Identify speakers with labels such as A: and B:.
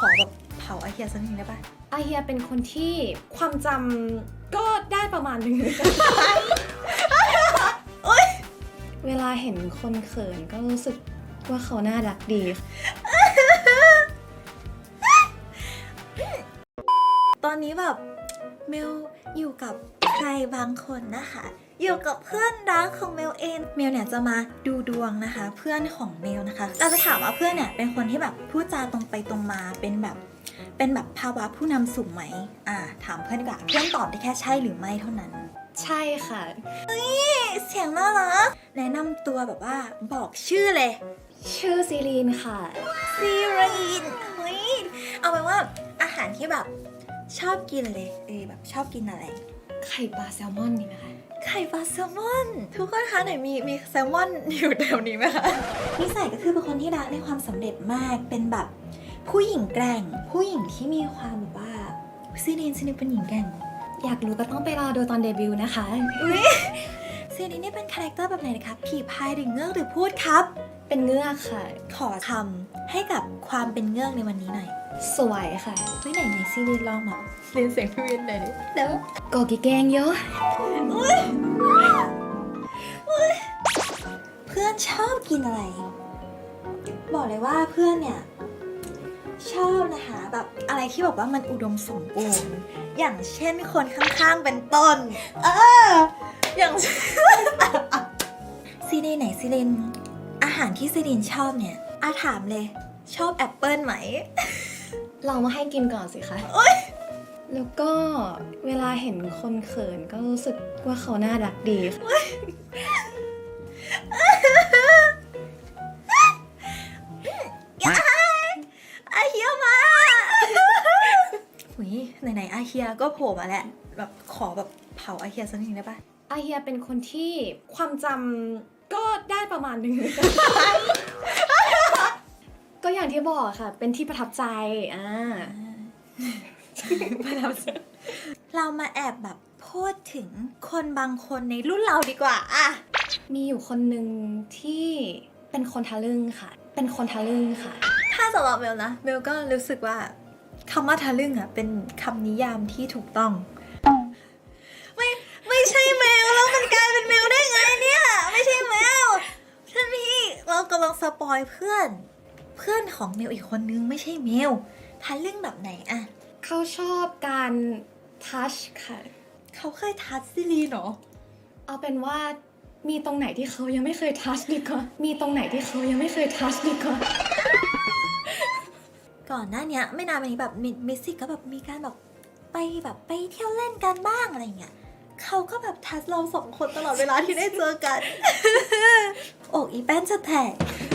A: อแบบเผาอาเฮียสักนิดได้ปะ
B: อาเฮียเป็นคนที่ความจำก็ได้ประมาณนึง เวลาเห็นคนเขินก็รู้สึกว่าเขาน่ารักดี
A: ตอนนี้แบบเมลอยู่กับใครบางคนนะคะ อยู่กับเพื่อนรักของเมลเองเมลเนี่ยจะมาดูดวงนะคะ เพื่อนของเมลนะคะ เราจะถามว่าเพื่อนเนี่ยเป็นคนที่แบบพูดจาตรงไปตรงมาเป็นแบบภาวะผู้นำสูงไหมถามเพื่อนดีกว่าเพื่อนตอบได้แค่ใช่หรือไม่เท่านั้น
B: ใช่ค่ะ
A: เสียงน่ารักแนะนำตัวแบบว่าบอกชื่อเลย
B: ชื่อซีรีนค่ะ
A: ซีรีนเฮ้ยเอาเป็นว่าอาหารที่แบบชอบกินเลยแบบชอบกินอะไร
B: ไข่ปลาแซลมอนนี่ไหมคะ
A: ไข่ปลาแซลมอนทุกคนคะไหนมีแซลมอนอยู่แถวนี้ไหมคะนิสัยก็คือเป็นคนที่รักในความสำเร็จมากเป็นแบบผู้หญิงแกร่งผู้หญิงที่มีความแบบว่าซีรีนเป็นหญิงแกร่ง
B: อยากรู้ก็ต้องไปรอดูตอนเดบิวต์นะคะ
A: ซีรีนนี่เป็นคาแรคเตอร์แบบไหนนะคะผีพายหรือเงือกหรือพูดครับ
B: เป็นเงือกค่ะ
A: ขอคำให้กับความเป็นเงือกในวันนี้หน่อย
B: สวยค่ะ
A: เฮ้ยไหนซีรีนลองแบบเรียนเสียงพี่วินหน่อยดิแล้ว
B: กอกิแกงเยอะ
A: เพื่อนชอบกินอะไร บอกเลยว่าเพื่อนเนี่ยชอบนะคะแบบอะไรที่แบบว่ามันอุดมสมบูรณ์อย่างเช่นคนข้างๆเป็นต้นอย่างเช่น ซีรีนไหนซีรีนอาหารที่ซีรีนชอบเนี่ยถามเลยชอบแอปเปิลไหม
B: ลองมาให้กินก่อนสิคะแล้วก็เวลาเห็นคนเขินก็รู้สึกว่าเขาน่ารักดีค่ะ
A: อาเฮียมา หุยไหนอาเฮียก็โผล่มาแหละแบบขอแบบเผาอาเฮียสักนิดได้ปะ
B: อาเฮียเป็นคนที่ความจำก็ได้ประมาณนึง ก็อย่างที่บอกค่ะ เป็นที่ประทับใจ
A: ประทับใจเรามาแอบแบบพูดถึงคนบางคนในรุ่นเราดีกว่า
B: มีอยู่คนหนึ่งที่เป็นคนทะลึ่งค่ะ เป็นคนทะลึ่งค่ะ
A: ถ้าสำหรับเมลนะเมลก็รู้สึกว่าคำว่าทะลึ่งเป็นคำนิยามที่ถูกต้อง ไม่ใช่เมลแล้วมันกลายเป็นเมลได้ไงเนี่ยไม่ใช่เมลท่านพี่เรากำลังสปอยเพื่อนของเมลอีกคนนึงไม่ใช่เมลทะลึ่งแบบไหน
B: เขาชอบการทัชค่ะ
A: เขาเคยทัชซิลีนเหรอ
B: เอาเป็นว่ามีตรงไหนที่เขายังไม่เคยทัชดีกว่า มีตรงไหนที่เขายังไม่เคยทัชดีกว่า
A: ก่อนหน้านี้ไม่นานมานี้แบบมิสซี่ก็แบบมีการแบบไปเที่ยวเล่นกันบ้างอะไรเงี้ยเขาก็แบบทัชเราสองคนตลอดเวลาที่ได้เจอกัน อกอีแป้นจะแตก